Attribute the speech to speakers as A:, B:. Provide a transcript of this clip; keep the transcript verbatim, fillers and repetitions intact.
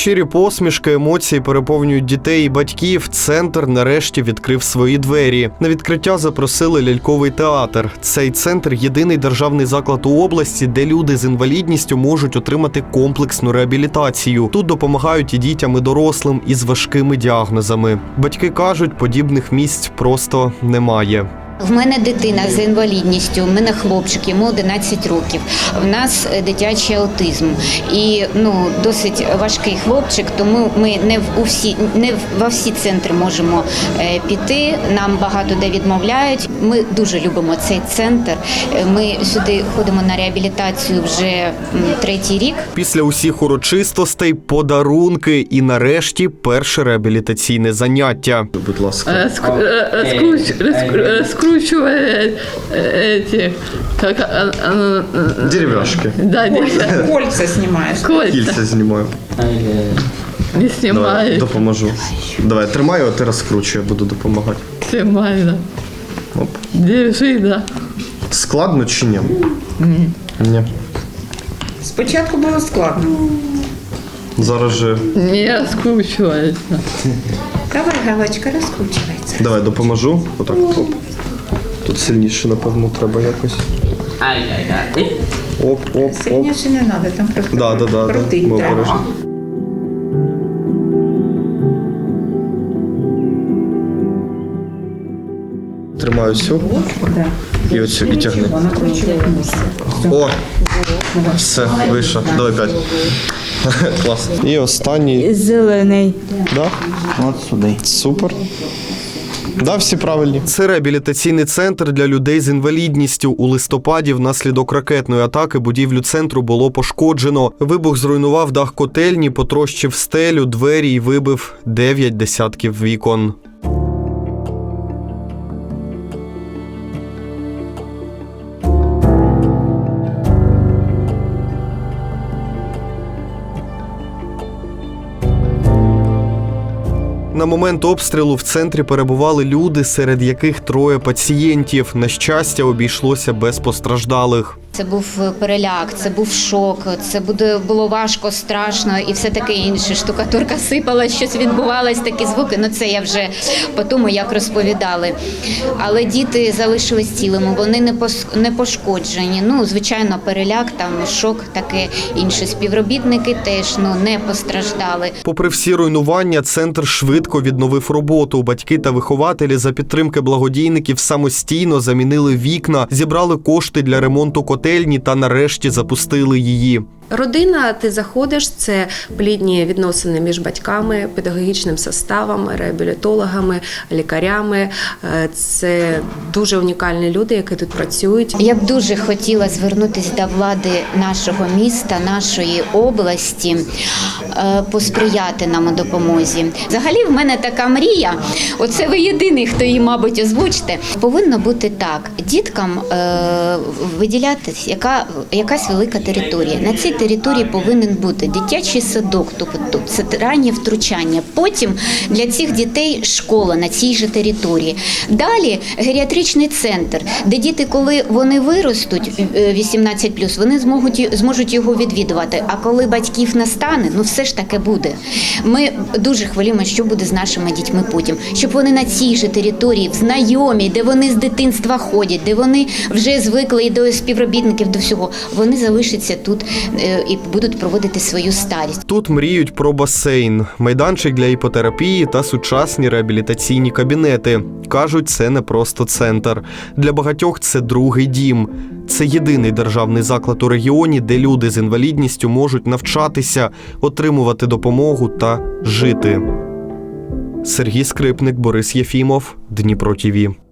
A: Щирі посмішки, емоції переповнюють дітей і батьків. Центр нарешті відкрив свої двері. На відкриття запросили ляльковий театр. Цей центр – єдиний державний заклад у області, де люди з інвалідністю можуть отримати комплексну реабілітацію. Тут допомагають і дітям, і дорослим із важкими діагнозами. Батьки кажуть, подібних місць просто немає.
B: В мене дитина з інвалідністю, в мене хлопчик, йому одинадцять років. В нас дитячий аутизм. І ну, досить важкий хлопчик, тому ми не в усі, не во всі центри можемо е, піти. Нам багато де відмовляють. Ми дуже любимо цей центр. Ми сюди ходимо на реабілітацію вже м, третій рік.
A: Після усіх урочистостей, подарунки і нарешті перше реабілітаційне заняття. Будь ласка.
C: Скручивает эти, как, а, а,
A: Деревяшки.
C: Да,
D: Кольца, кольца снимаешь.
C: Кольца.
A: Кільця знімаю.
C: Не
A: Давай,
C: снимает.
A: допоможу. Давай, тримаю, а ти розкручуй, я буду допомагати.
C: Снимает, да.
A: Оп.
C: Держи, да.
A: Складно чи ні? Ні. Ні.
D: Спочатку було складно.
A: Зараз же...
C: Не раскручивается.
D: Давай, галочка, розкручується.
A: Давай, допоможу. Отак, оп. Тут сильніше, напевно, треба якось. Оп, оп, оп.
D: Сильніше не треба, там просто
A: Да, да, да,
D: крутить
A: да.
D: треба.
A: Тримаю цю.
D: Да.
A: І оцю, і тягни.
D: Накручувати місце.
A: О! Все, вийшло. Давай п'ять. Клас. І останній.
E: Зелений.
A: Да?
F: От сюди.
A: Супер. Да, всі правильні. Це реабілітаційний центр для людей з інвалідністю. У листопаді внаслідок ракетної атаки будівлю центру було пошкоджено. Вибух зруйнував дах котельні, потрощив стелю, двері і вибив дев'ять десятків вікон. На момент обстрілу в центрі перебували люди, серед яких троє пацієнтів. На щастя, обійшлося без постраждалих.
B: Це був переляк, це був шок, це буде, було важко, страшно і все таке інше. Штукатурка сипалась, щось відбувалось, такі звуки. Ну це я вже по тому, як розповідали. Але діти залишились цілими, вони не, пос, не пошкоджені. Ну, звичайно, переляк, там шок, таке інше. Співробітники теж ну, не постраждали.
A: Попри всі руйнування, центр швидко відновив роботу. Батьки та вихователі за підтримки благодійників самостійно замінили вікна, зібрали кошти для ремонту котельні та нарешті запустили її.
G: Родина, ти заходиш, це плідні відносини між батьками, педагогічним составом, реабілітологами, лікарями. Це дуже унікальні люди, які тут працюють.
B: Я б дуже хотіла звернутися до влади нашого міста, нашої області, посприяти нам у допомозі. Взагалі в мене така мрія, оце ви єдиний, хто її, мабуть, озвучите. Повинно бути так, діткам виділятися яка, якась велика територія. На цій території повинен бути дитячий садок, тобто це раннє втручання. Потім для цих дітей школа на цій же території. Далі геріатричний центр, де діти, коли вони виростуть, вісімнадцять плюс, вони зможуть, зможуть його відвідувати. А коли батьків не стане, ну все ж таки буде. Ми дуже хвилюємо, що буде з нашими дітьми потім. Щоб вони на цій же території, в знайомій, де вони з дитинства ходять, де вони вже звикли і до співробітників, до всього, вони залишаться тут і будуть проводити свою старість.
A: Тут мріють про басейн, майданчик для іпотерапії та сучасні реабілітаційні кабінети. Кажуть, це не просто центр. Для багатьох це другий дім. Це єдиний державний заклад у регіоні, де люди з інвалідністю можуть навчатися, отримувати допомогу та жити. Сергій Скрипник, Борис Єфімов, Дніпро ТІВІ.